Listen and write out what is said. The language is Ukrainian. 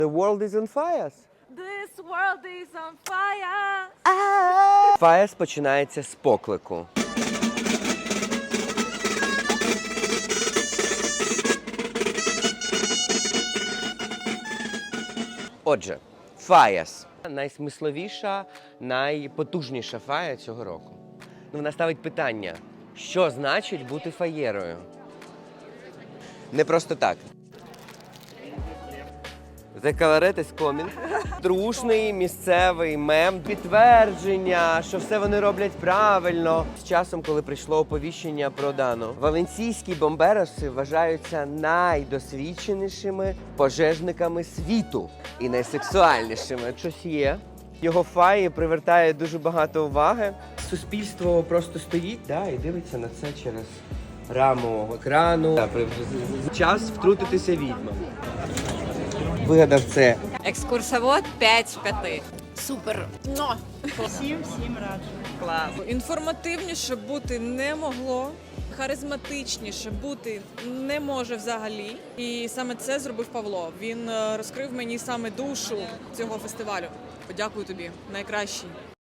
The world is on fire. This world is on fire. Fires починається з поклику. Отже, фаяс – найсмисловіша, найпотужніша фая цього року. Вона ставить питання, що значить бути фаєрою? Не просто так. The Coloret is coming. Трушний місцевий мем, підтвердження, що все вони роблять правильно. З часом, коли прийшло оповіщення про Дану, валенційські бомбероси вважаються найдосвідченішими пожежниками світу і найсексуальнішими. Щось є. Його фаї привертає дуже багато уваги. Суспільство просто стоїть, і дивиться на це через раму екрану. Час втрутитися відьмам. Вигадав це. Екскурсовод 5 з 5. Супер. Всім раджу. Клас. Інформативніше бути не могло, харизматичніше бути не може взагалі. І саме це зробив Павло. Він розкрив мені саме душу цього фестивалю. Подякую тобі, найкращий.